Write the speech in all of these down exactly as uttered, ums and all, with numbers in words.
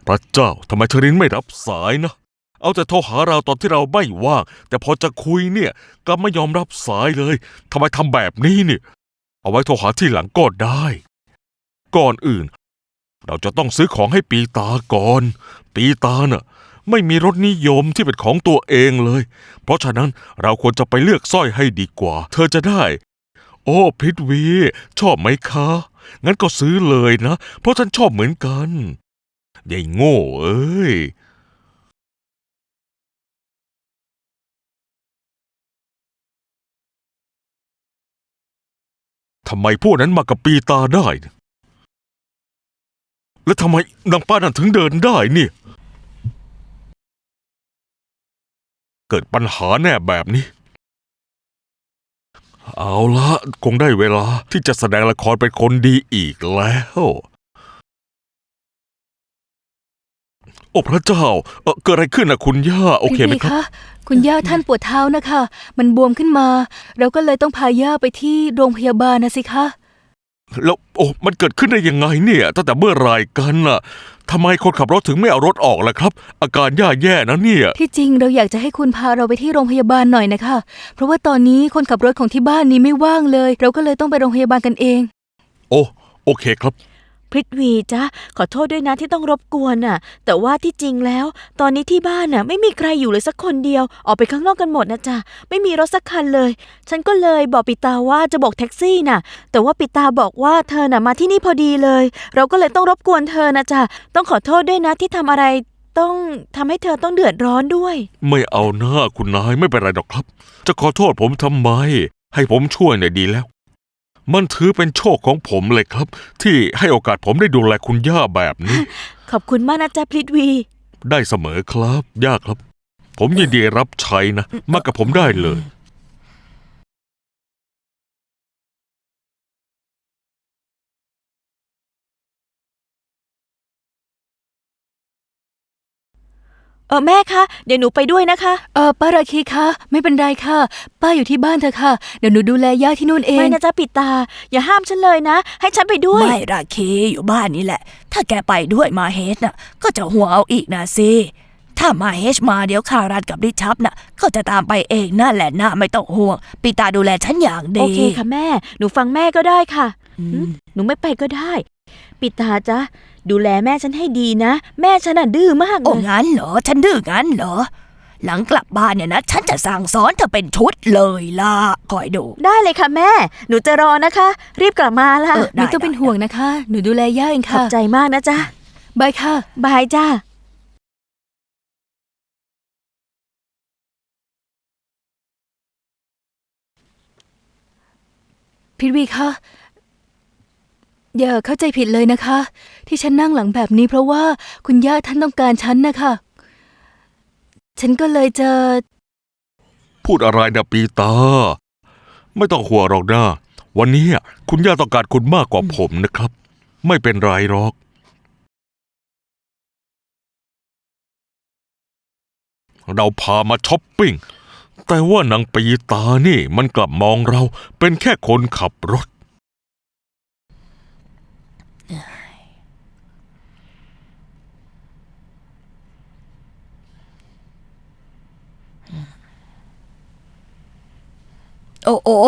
พระเจ้าทำไมเชอรินไม่รับสายนะเอาแต่โทรหาเราตอนที่เราไม่ว่างแต่พอจะคุยเนี่ยกลับไม่ยอมรับสายเลยทำไมทำแบบนี้เนี่ยเอาไว้โทรหาที่หลังก็ได้ก่อนอื่นเราจะต้องซื้อของให้ปีตาก่อนปีตาน่ะไม่มีรสนิยมที่เป็นของตัวเองเลยเพราะฉะนั้นเราควรจะไปเลือกสร้อยให้ดีกว่าเธอจะได้โอ้พริตวีชอบไหมคะงั้นก็ซื้อเลยนะเพราะฉันชอบเหมือนกันยายโง่เอ้ยทำไมพวกนั้นมากับปีตาได้แล้วทำไมนางป้านั่นถึงเดินได้เนี่ยเกิดปัญหาแน่แบบนี้เอาละคงได้เวลาที่จะแสดงละครเป็นคนดีอีกแล้วโอ้พระเจ้าเออเกิดอะไรขึ้นนะคุณย่าโอเคไหมครับคุณย่าท่านปวดเท้านะคะมันบวมขึ้นมาเราก็เลยต้องพาย่าไปที่โรงพยาบาลนะสิคะแล้วโอ้มันเกิดขึ้นได้ยังไงเนี่ยตั้งแต่เมื่อไรกันน่ะทำไมคนขับรถถึงไม่เอารถออกล่ะครับอาการย่าแย่นะเนี่ยที่จริงเราอยากจะให้คุณพาเราไปที่โรงพยาบาลหน่อยนะคะเพราะว่าตอนนี้คนขับรถของที่บ้านนี้ไม่ว่างเลยเราก็เลยต้องไปโรงพยาบาลกันเองโอ้โอเคครับพริตวีจ๊ะขอโทษด้วยนะที่ต้องรบกวนน่ะแต่ว่าที่จริงแล้วตอนนี้ที่บ้านน่ะไม่มีใครอยู่เลยสักคนเดียวออกไปข้างนอกกันหมดนะจ๊ะไม่มีรถสักคันเลยฉันก็เลยบอกปิตาว่าจะบอกแท็กซี่น่ะแต่ว่าปิตาบอกว่าเธอน่ะมาที่นี่พอดีเลยเราก็เลยต้องรบกวนเธอนะจ๊ะต้องขอโทษด้วยนะที่ทำอะไรต้องทำให้เธอต้องเดือดร้อนด้วยไม่เอาหน้าคุณนายไม่เป็นไรหรอกครับจะขอโทษผมทำไมให้ผมช่วยหน่อยดีแล้วมันถือเป็นโชคของผมเลยครับที่ให้โอกาสผมได้ดูแลคุณย่าแบบนี้ขอบคุณมากนะจ๊ะพริตวีได้เสมอครับย่าครับผมยินดีรับใช้นะมากับผมได้เลยเออแม่คะเดี๋ยวหนูไปด้วยนะคะเออป้าราคีคะไม่เป็นไรค่ะป้าอยู่ที่บ้านเถอะค่ะเดี๋ยวหนูดูแลย่าที่นู่นเองไม่นะจ๊ะปิตาอย่าห้ามฉันเลยนะให้ฉันไปด้วยไม่ราคีอยู่บ้านนี่แหละถ้าแกไปด้วยมาเฮชน่ะก็จะห่วงเอาอีกนะสิถ้ามาเฮชมาเดี๋ยวคารันกับริชับน่ะก็จะตามไปเองนั่นแหละนะไม่ต้องห่วงปิตาดูแลฉันอย่างดีโอเคค่ะแม่หนูฟังแม่ก็ได้ค่ะหนูไม่ไปก็ได้ปิตาจ๊ะดูแลแม่ฉันให้ดีนะแม่ฉันน่ะดื้อมากเลยโอ้งั้นเหรอฉันดื้องั้นเหรอหลังกลับบ้านเนี่ยนะฉันจะสั่งสอนเธอเป็นชุดเลยล่ะคอยดูได้เลยค่ะแม่หนูจะรอนะคะรีบกลับมาล่ะไม่ต้องเป็นห่วงนะคะหนูดูแลย่าเองค่ะขอบใจมากนะจ๊ะบายค่ะบายจ้าพิทวีคะอย่าเข้าใจผิดเลยนะคะที่ฉันนั่งหลังแบบนี้เพราะว่าคุณย่าท่านต้องการฉันนะคะฉันก็เลยจะพูดอะไรนะปีตาไม่ต้องห่วงหรอกนะวันนี้คุณย่าต้องการคุณมากกว่าผมนะครับไม่เป็นไรหรอกเราพามาช้อปปิ้งแต่ว่านางปีตานี่มันกลับมองเราเป็นแค่คนขับรถโอ้โอ้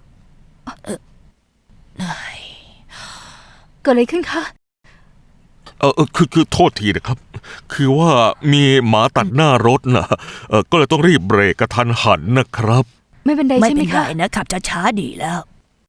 เกิดอะไรขึ้นคะเออคือคือโทษทีนะครับคือว่ามีหมาตัดหน้ารถนะเออก็เลยต้องรีบเบรกกระทันหันนะครับไม่เป็นไรใช่ไหมคะไม่เป็นไรนะขับช้าๆดีแล้ว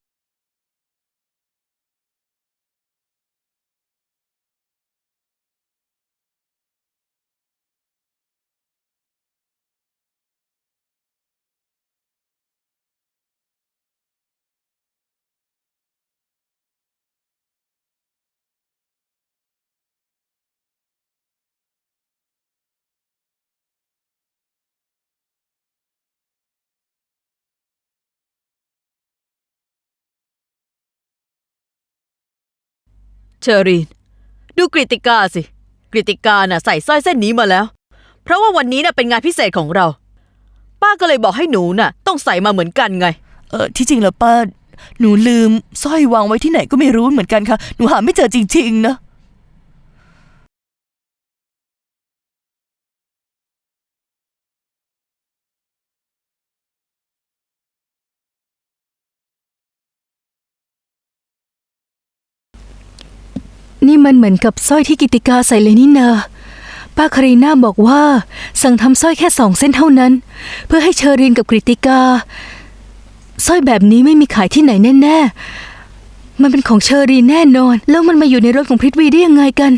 เชอรีนดูกริติกาสิกริติกาน่ะใส่สร้อยเส้นนี้มาแล้วเพราะว่าวันนี้น่ะเป็นงานพิเศษของเราป้าก็เลยบอกให้หนูน่ะต้องใส่มาเหมือนกันไงเออที่จริงแล้วป้าหนูลืมสร้อยวางไว้ที่ไหนก็ไม่รู้เหมือนกันค่ะหนูหาไม่เจอจริงๆนะนี่มันเหมือนกับสร้อยที่กิติกาใส่เลยนี่นาป้าคารีน่าบอกว่าสั่งทำสร้อยแค่สองเส้นเท่านั้น เพื่อให้เชอรินกับกริติกาสร้อยแบบนี้ไม่มีขายที่ไหนแน่ๆมันเป็นของเชอรินแน่นอนแล้วมันมาอยู่ในรถของพริตวีได้ยังไงกัน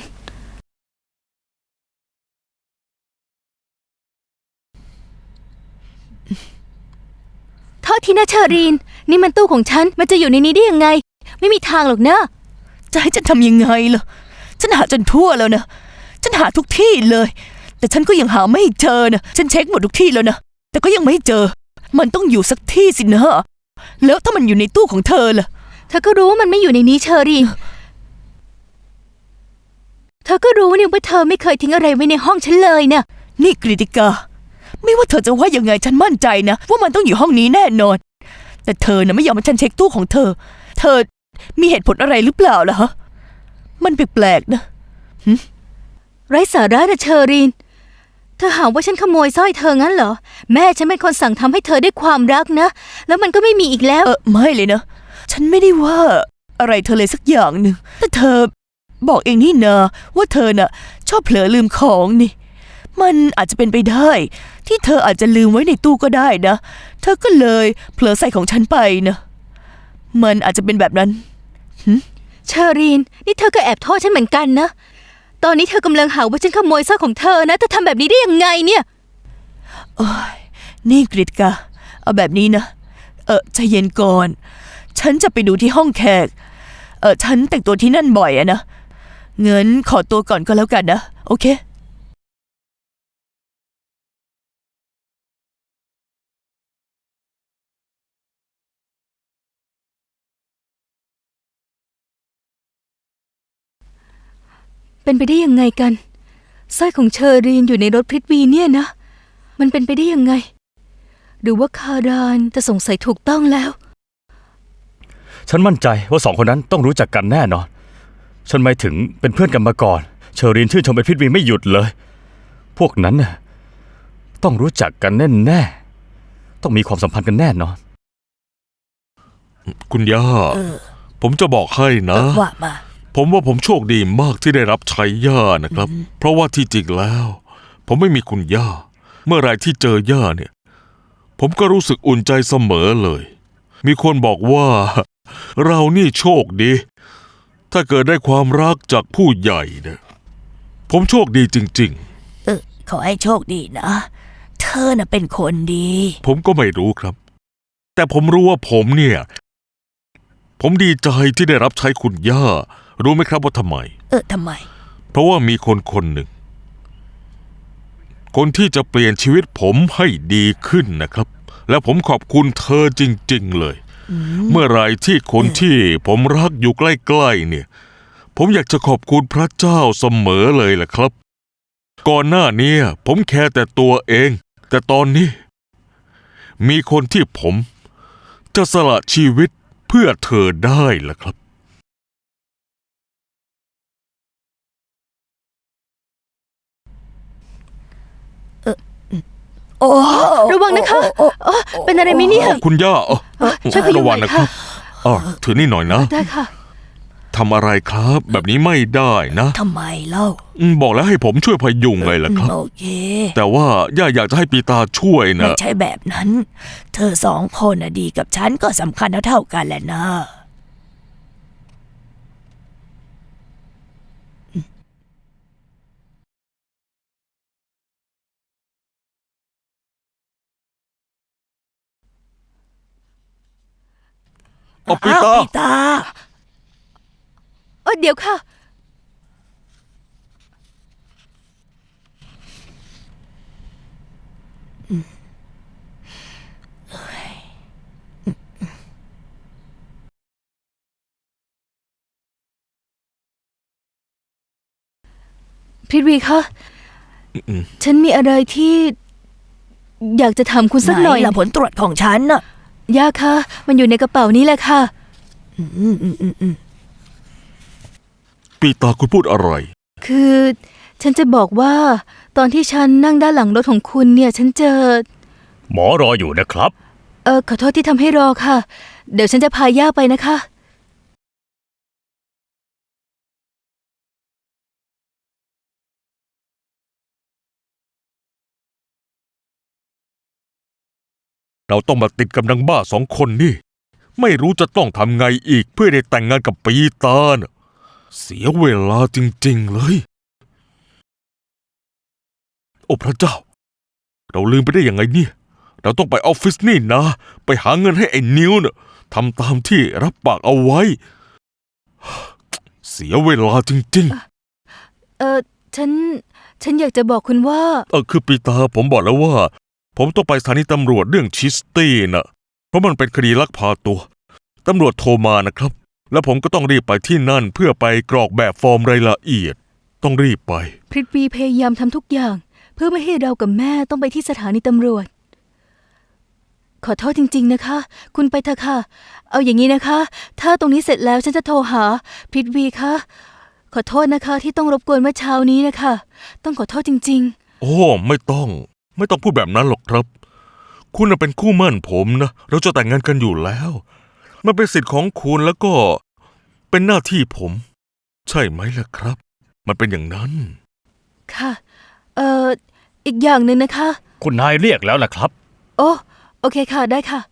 โทษทีนะเชอรีนนี่มันตู้ของฉันมันจะอยู่ในนี้ได้ยังไงไม่มีทางหรอกนะจะให้ฉันทำยังไงล่ะฉันหาจนทั่วแล้วนะฉันหาทุกที่เลย แต่ฉันก็ยังหาไม่เจอนะฉันเช็คหมดทุกที่แล้วนะแต่ก็ยังไม่เจอมันต้องอยู่สักที่สินะแล้วถ้ามันอยู่ในตู้ของเธอล่ะเธอก็รู้ว่ามันไม่อยู่ในนี้เชอรีนเธอก็รู้นี่ว่าเธอไม่เคยทิ้งอะไรไว้ในห้องฉันเลยนะนี่กฤติกาไม่ว่าเธอจะว่ายังไงฉันมั่นใจนะว่ามันต้องอยู่ห้องนี้แน่นอนแต่เธอน่ะไม่ยอมให้ฉันเช็คตู้ของเธอ เธอมีเหตุผลอะไรหรือเปล่าล่ะฮะมันแปลกๆนะไร้สาระนะเชอรีนเธอหาว่าฉันขโมยสร้อยเธองั้นเหรอแม่ฉันเป็นคนสั่งทำให้เธอด้วยความรักนะแล้วมันก็ไม่มีอีกแล้วเออไม่เลยนะฉันไม่ได้ว่าอะไรเธอเลยสักอย่างหนึ่งแต่เธอบอกเองนี่นะว่าเธอน่ะชอบเผลอลืมของนี่มันอาจจะเป็นไปได้ที่เธออาจจะลืมไว้ในตู้ก็ได้นะเธอก็เลยเผลอใส่ของฉันไปนะมันอาจจะเป็นแบบนั้นเชอรีนนี่เธอก็แอบโทษฉันเหมือนกันนะตอนนี้เธอกำลังหาว่าฉันขโมยสร้อยของเธอนะเธอทำแบบนี้ได้ยังไงเนี่ยโอ้ยนี่กฤติกาเอาแบบนี้นะเออใจเย็นก่อนฉันจะไปดูที่ห้องแขกเออฉันแต่งตัวที่นั่นบ่อยอะนะเงินขอตัวก่อนก็แล้วกันนะโอเคเป็นไปได้ยังไงกันสร้อยของเชอรีนอยู่ในรถพริตวีเนี่ยนะมันเป็นไปได้ยังไงหรือว่าคารานจะสงสัยถูกต้องแล้วฉันมั่นใจว่าสองคนนั้นต้องรู้จักกันแน่นอนฉันหมายถึงเป็นเพื่อนกันมาก่อนเชอรีนชื่นชมเป็นพิตวีไม่หยุดเลยพวกนั้นน่ะต้องรู้จักกันแน่ๆต้องมีความสัมพันธ์กันแน่นอนคุณย่าเออผมจะบอกให้นะว่ามาผมว่าผมโชคดีมากที่ได้รับใช้ย่านะครับ เพราะว่าที่จริงแล้ว ผมไม่มีคุณย่า เมื่อไรที่เจอย่าเนี่ย ผมก็รู้สึกอุ่นใจเสมอเลย มีคนบอกว่า เรานี่โชคดี ถ้าเกิดได้ความรักจากผู้ใหญ่เนี่ยผมโชคดีจริงเออขอให้โชคดีนะเธอน่ะเป็นคนดีๆ ผมก็ไม่รู้ครับ แต่ผมรู้ว่าผมเนี่ย ผมดีใจที่ได้รับใช้คุณย่า รู้ไหมครับว่าทำไมเออทำไมเพราะว่ามีคนคนหนึ่ง คนที่จะเปลี่ยนชีวิตผมให้ดีขึ้นนะครับ และผมขอบคุณเธอจริงๆเลย เมื่อไรที่คนที่ผมรักอยู่ใกล้ๆเนี่ย ผมอยากจะขอบคุณพระเจ้าเสมอเลยแหละครับ ก่อนหน้านี้ผมแค่แต่ตัวเอง แต่ตอนนี้ มีคนที่ผมจะสละชีวิตเพื่อเธอได้ล่ะครับโอ้ระวังนะคะโอ้เออเป็นอะไรไหมเนี่ยคุณย่าเอ่อเออช่วยพยุงระวังหน่นะอยครัค่ะบอ๋อถือนี่หน่อยนะได้ค่ะทำอะไรครับ แบบนี้ไม่ได้นะทำไมเล่าอืมบอกแล้วให้ผมช่วยพยุงไงล่ะครับโอเคแต่ว่าย่าอยากจะให้ปีตาช่วยไม่นะใช่แบบนั้น เธอสองคนน่ะดีกับฉันก็สำคัญเท่าๆกันแหละนะเอาปีอ้าวตาปีตาเออเดี๋ยวค่ะ พริตวีคะอืมฉันมีอะไรที่ อยากจะถามคุณสักหน่อยไหนล่ะผลตรวจของฉันน่ะย่าคะมันอยู่ในกระเป๋านี้แหละค่ะอืมอืมอืมอืมปีตาคุณพูดอะไรคือ ฉันจะบอกว่า ตอนที่ฉันนั่งด้านหลังรถของคุณเนี่ย ฉันเจอหมอรออยู่นะครับเออขอโทษที่ทำให้รอค่ะ เดี๋ยวฉันจะพาย่าไปนะคะเราต้องมาติดกับนางบ้าสองคนนี่ ไม่รู้จะต้องทำไงอีกเพื่อได้แต่งงานกับปีตาน่ะเสียเวลาจริงๆเลย โอ้พระเจ้า เราลืมไปได้ยังไงเนี่ย เราต้องไปออฟฟิศนี่นะ ไปหาเงินให้ไอ้นิวน่ะทำตามที่รับปากเอาไว้ เสียเวลาจริงเออฉัน ฉันอยากจะบอกคุณว่าๆ เออคือปีตาผมบอกแล้วว่า ผมต้องไปสถานีตำรวจเรื่องชิสตี้น่ะ เพราะมันเป็นคดีลักพาตัว ตำรวจโทรมานะครับ แล้วผมก็ต้องรีบไปที่นั่นเพื่อไปกรอกแบบฟอร์มรายละเอียด ต้องรีบไปพริตวีพยายามทำทุกอย่าง เพื่อไม่ให้เรากับแม่ต้องไปที่สถานีตำรวจ ขอโทษจริง ๆนะคะ คุณไปเถอะค่ะ เอาอย่างนี้นะคะ ถ้าตรงนี้เสร็จแล้วฉันจะโทรหาพริตวีคะขอโทษนะคะที่ต้องรบกวนเมื่อเช้านี้นะคะ ต้องขอโทษจริงโอ้ ไม่ต้อง ไม่ต้องพูดแบบนั้นหรอกครับ คุณน่ะเป็นคู่หมั่นผมนะ เราจะแต่งงานกันอยู่แล้ว มันเป็นสิทธิ์ของคุณแล้วก็เป็นหน้าที่ผม ใช่ไหมล่ะครับ มันเป็นอย่างนั้นๆ ค่ะ เอ่อ อีกอย่างหนึ่งนะคะคุณนายเรียกแล้วล่ะครับโอ้โอเคค่ะ ได้ค่ะ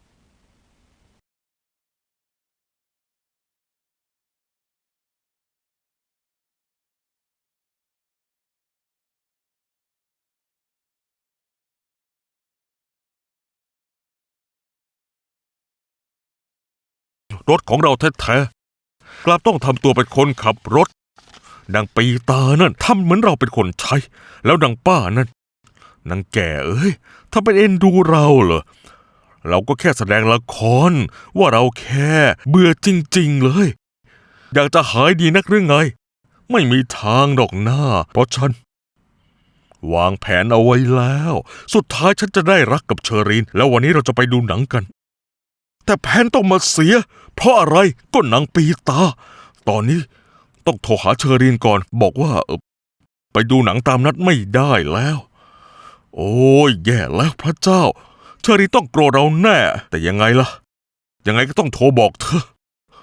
รถของเราแท้ๆกลับต้องทำตัวเป็นคนขับรถนางปีตานั่นทำเหมือนเราเป็นคนใช้ แล้วนางป้านั่นนางแก่เอ้ยถ้าเป็นเอ็นดูเราเหรอ เราก็แค่แสดงละครว่าเราแค่เบื่อจริงๆเลย อยากจะหายดีนักหรือไง ไม่มีทางดอกหน้า เพราะฉัน วางแผนเอาไว้แล้ว สุดท้ายฉันจะได้รักกับเชอรีน แล้ววันนี้เราจะไปดูหนังกัน แต่แผนต้องมาเสีย เพราะอะไรก็นางปีตา ตอนนี้ต้องโทรหาเชอรีนก่อน บอกว่าเออไปดูหนังตามนัดไม่ได้แล้ว โอ้ยแย่แล้วพระเจ้า เชอรีนต้องโกรธเราแน่ แต่ยังไงล่ะ ยังไงก็ต้องโทรบอกเธอ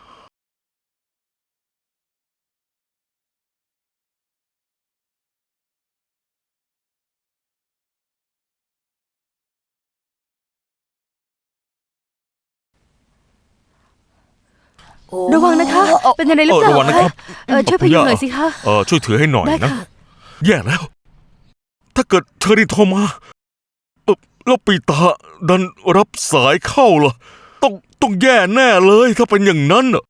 ระวังนะคะ เป็นอะไรหรือเปล่าเออระวังนะครับเออช่วยพยุงหน่อยสิคะเออช่วยถือให้หน่อยได้นะค่ะแย่แล้ว ถ้าเกิดเชอรีนโทรมาเออแล้วปีตาดันรับสายเข้าล่ะ ต้องต้องแย่แน่เลยถ้าเป็นอย่างนั้นน่ะ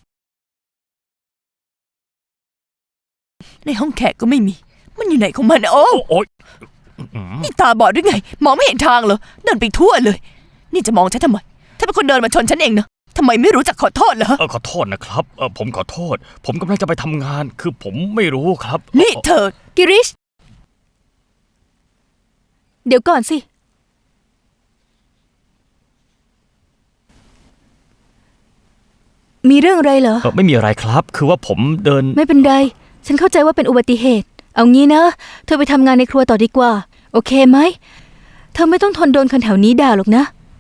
ในห้องแขกก็ไม่มี มันอยู่ไหนของมันอะโอ้โอ๊ยนี่ตาบอดหรือไง มองไม่เห็นทางเหรอ เดินไปทั่วเลย นี่จะมองฉันทำไมถ้าเป็นคนเดินมาชนฉันเองนะทำไมไม่รู้จักขอโทษเหรอเออขอโทษนะครับเออผมขอโทษ ผมกำลังจะไปทำงาน คือผมไม่รู้ครับนี่เธอกิริช เดี๋ยวก่อนสิ มีเรื่องอะไรเหรอเออไม่มีอะไรครับ คือว่าผมเดินไม่เป็นไร ฉันเข้าใจว่าเป็นอุบัติเหตุ เอางี้นะ เธอไปทำงานในครัวต่อดีกว่า โอเคไหม เธอไม่ต้องทนโดนคนแถวนี้ด่าหรอกนะ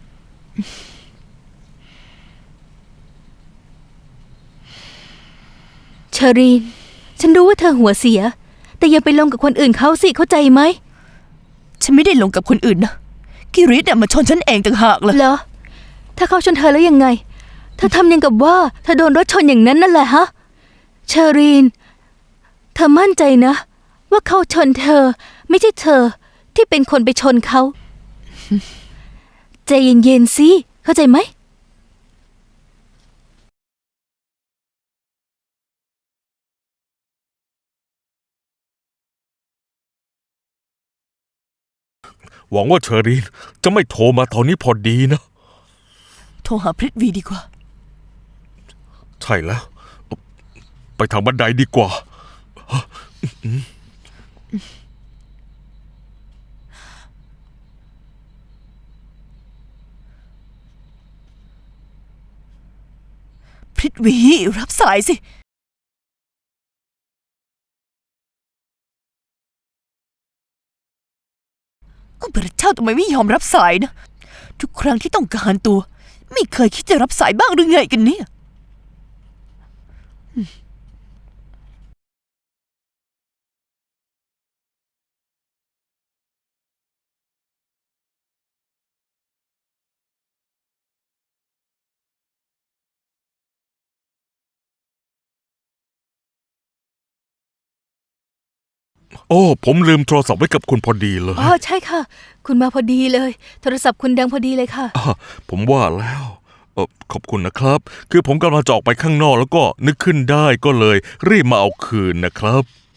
เชอรีน ฉันรู้ว่าเธอหัวเสีย แต่อย่าไปลงกับคนอื่นเขาสิ เข้าใจไหมฉันไม่ได้ลงกับคนอื่นนะกิริตเนี่ยมาชนฉันเองต่างหากเลยเหรอ ถ้าเขาชนเธอแล้วยังไง เธอทำยังกับว่าเธอโดนรถชนอย่างนั้นนั่นแหละฮะ เชอรีน เธอมั่นใจนะ ว่าเขาชนเธอ ไม่ใช่เธอที่เป็นคนไปชนเขา ใจเย็นๆสิ เข้าใจไหมหวังว่าเชอรีนจะไม่โทรมาตอนนี้พอดีนะโทรหาพริตวีดีกว่าใช่แล้ว ไปทางบันไดดีกว่าพริตวีรับสายสิก็พระเจ้าทำไมไม่ยอมรับสายนะ ทุกครั้งที่ต้องการตัว ไม่เคยคิดจะรับสายบ้างหรือไงกันเนี่ยโอ้ผมลืมโทรศัพท์ไว้กับคุณพอดีเลยอ๋อใช่ค่ะ คุณมาพอดีเลย โทรศัพท์คุณดังพอดีเลยค่ะอ่ะผมว่าแล้วเออขอบคุณนะครับ คือผมกำลังจะออกไปข้างนอกแล้วก็นึกขึ้นได้ก็เลย รีบมาเอาคืนนะครับ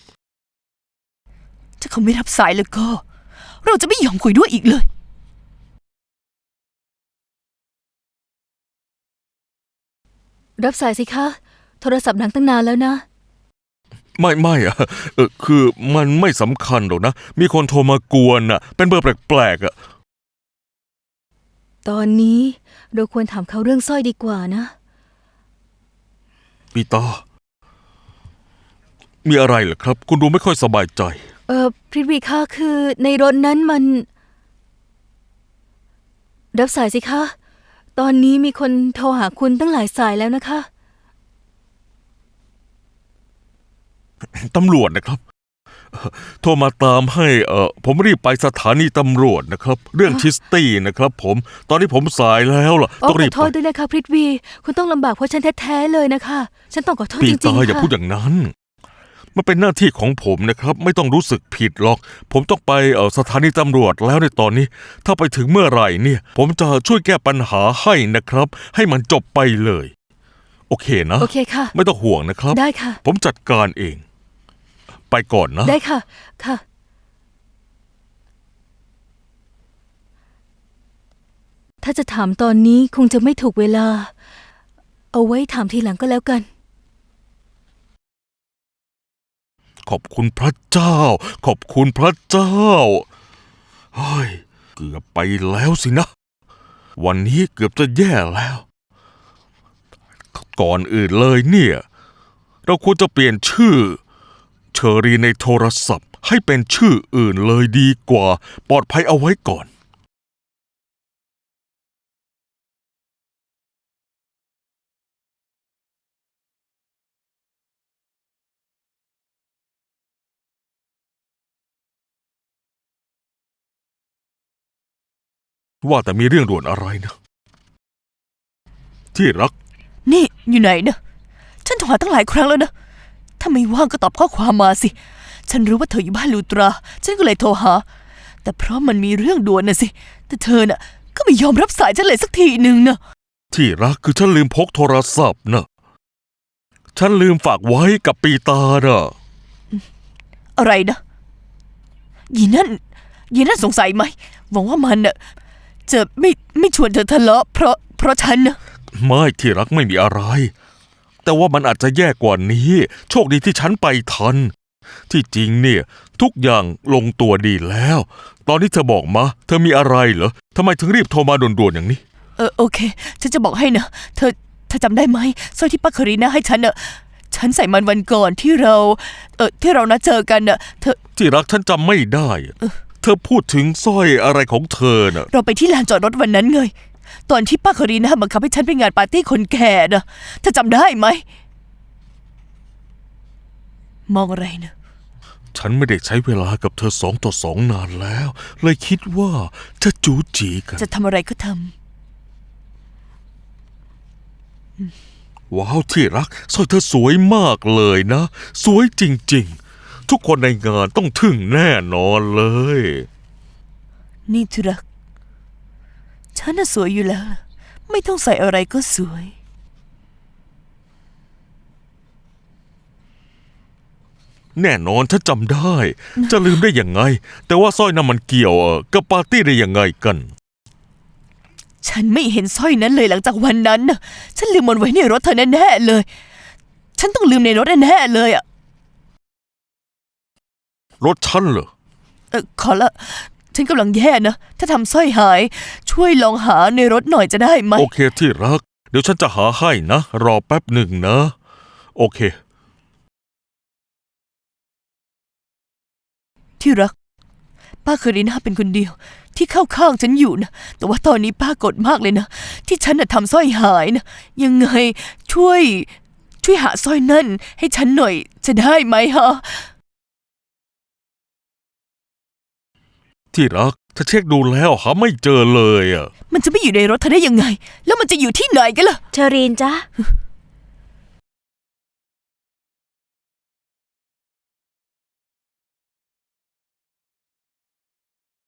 ถ้าเขาไม่รับสายแล้วก็ เราจะไม่ยอมคุยด้วยอีกเลยรับสายสิคะ โทรศัพท์ดังตั้งนานแล้วนะไม่ไม่อะเออคือมันไม่สำคัญหรอกนะ มีคนโทรมากวนอ่ะ เป็นเบอร์แปลกๆอ่ะตอนนี้เราควรถามเขาเรื่องสร้อยดีกว่านะปีตา มีอะไรเหรอครับ คุณดูไม่ค่อยสบายใจเออพริตวีคะคือในรถนั้นมัน รับสายสิคะ ตอนนี้มีคนโทรหาคุณตั้งหลายสายแล้วนะคะตำรวจนะครับเอ่อโทรมาตามให้เออผมรีบไปสถานีตำรวจนะครับ เรื่องชิสตี้นะครับ ผม ตอนนี้ผมสายแล้วล่ะอ๋อต้องขรีอบ โทไปษด้วยนะคะพริตวี คุณต้องลำบากเพราะฉันแท้ๆเลยนะคะ ฉันต้องขอโทษปีจริตางๆอย่าค่ะพูดอย่างนั้น มันเป็นหน้าที่ของผมนะครับ ไม่ต้องรู้สึกผิดหรอก ผมต้องไปเออสถานีตำรวจแล้วในตอนนี้ ถ้าไปถึงเมื่อไหร่เนี่ย ผมจะช่วยแก้ปัญหาให้นะครับ ให้มันจบไปเลย โอเคนะโอเคค่ะไม่ต้องห่วงนะครับได้ค่ะผมจัดการเอง ไปก่อนนะได้ค่ะ ค่ะ ถ้าจะถามตอนนี้คงจะไม่ถูกเวลา เอาไว้ถามทีหลังก็แล้วกันขอบคุณพระเจ้า ขอบคุณพระเจ้า เฮ้ย เกือบไปแล้วสินะ วันนี้เกือบจะแย่แล้ว ก่อนอื่นเลยเนี่ย เราควรจะเปลี่ยนชื่อ เชอรีในโทรศัพท์ให้เป็นชื่ออื่นเลยดีกว่า ปลอดภัยเอาไว้ก่อน ว่าแต่มีเรื่องด่วนอะไรนะ ที่รักนี่อยู่ไหนนะฉันโทรหาตั้งหลายครั้งแล้วนะ ถ้าไม่ว่างก็ตอบข้อความมาสิ ฉันรู้ว่าเธออยู่บ้านลูตรา ฉันก็เลยโทรหา แต่เพราะมันมีเรื่องด่วนนะสิ แต่เธอน่ะก็ไม่ยอมรับสายฉันเลยสักทีหนึ่งนะที่รักคือฉันลืมพกโทรศัพท์นะฉันลืมฝากไว้กับปีตาน่ะอะไรนะยีนั่นยีนั่นสงสัยไหมหวังว่ามันน่ะจะไม่ไม่ชวนเธอทะเลาะเพราะเพราะฉันนะไม่ที่รักไม่มีอะไร แต่ว่ามันอาจจะแย่กว่านี้ โชคดีที่ฉันไปทัน ที่จริงเนี่ย ทุกอย่างลงตัวดีแล้ว ตอนนี้เธอบอกมา เธอมีอะไรเหรอทำไมถึงรีบโทรมาด่วนๆอย่างนี้เออโอเค ฉันจะบอกให้นะเธอเธอจำได้ไหมสร้อยที่ป้าคารีน่าให้ฉันน่ะฉันใส่มันวันก่อนที่เรา เออที่เรานัดเจอกันน่ะเธอที่รักฉันจำไม่ได้อะเธอพูดถึงสร้อยอะไรของเธอน่ะเราไปที่ลานจอดรถวันนั้นไงตอนที่ป้าคารีน่าบังคับให้ฉันไปงานปาร์ตี้คนแก่น่ะเธอจำได้ไหมมองอะไรนะฉันไม่ได้ใช้เวลากับเธอสองต่อสองนานแล้ว เลยคิดว่าจะจูจีกันจะทำอะไรก็ทำว้าวที่รักสร้อยเธอสวยมากเลยนะ สวยจริงๆ ทุกคนในงานต้องทึ่งแน่นอนเลยนี่ที่รักฉันน่ะสวยอยู่แล้วล่ะไม่ต้องใส่อะไรก็สวยแน่นอนฉันจำได้ จะลืมได้ยังไง แต่ว่าสร้อยนั้นมันเกี่ยวเอ่อกับปาร์ตี้ได้ยังไงกันฉันไม่เห็นสร้อยนั้นเลยหลังจากวันนั้นน่ะฉันลืมมันไว้ในรถเธอแน่ๆเลย ฉันต้องลืมในรถแน่ๆเลยอ่ะรถฉันเหรอเออขอละฉันกำลังแย่นะถ้าทำสร้อยหาย ช่วยลองหาในรถหน่อยจะได้ไหมโอเคที่รัก เดี๋ยวฉันจะหาให้นะ รอแป๊บหนึ่งนะ โอเคที่รัก ป้าคารีน่าเป็นคนเดียว ที่เข้าข้างฉันอยู่นะแต่ว่าตอนนี้ป้าโกรธมากเลยนะที่ฉันน่ะทำสร้อยหายนะยังไงช่วย ช่วยหาสร้อยนั่นให้ฉันหน่อยจะได้ไหมฮะที่รัก ถ้าเช็คดูแล้วหาไม่เจอเลยอ่ะมันจะไม่อยู่ในรถเธอได้ยังไง แล้วมันจะอยู่ที่ไหนกันล่ะเชอรีนจ๊ะ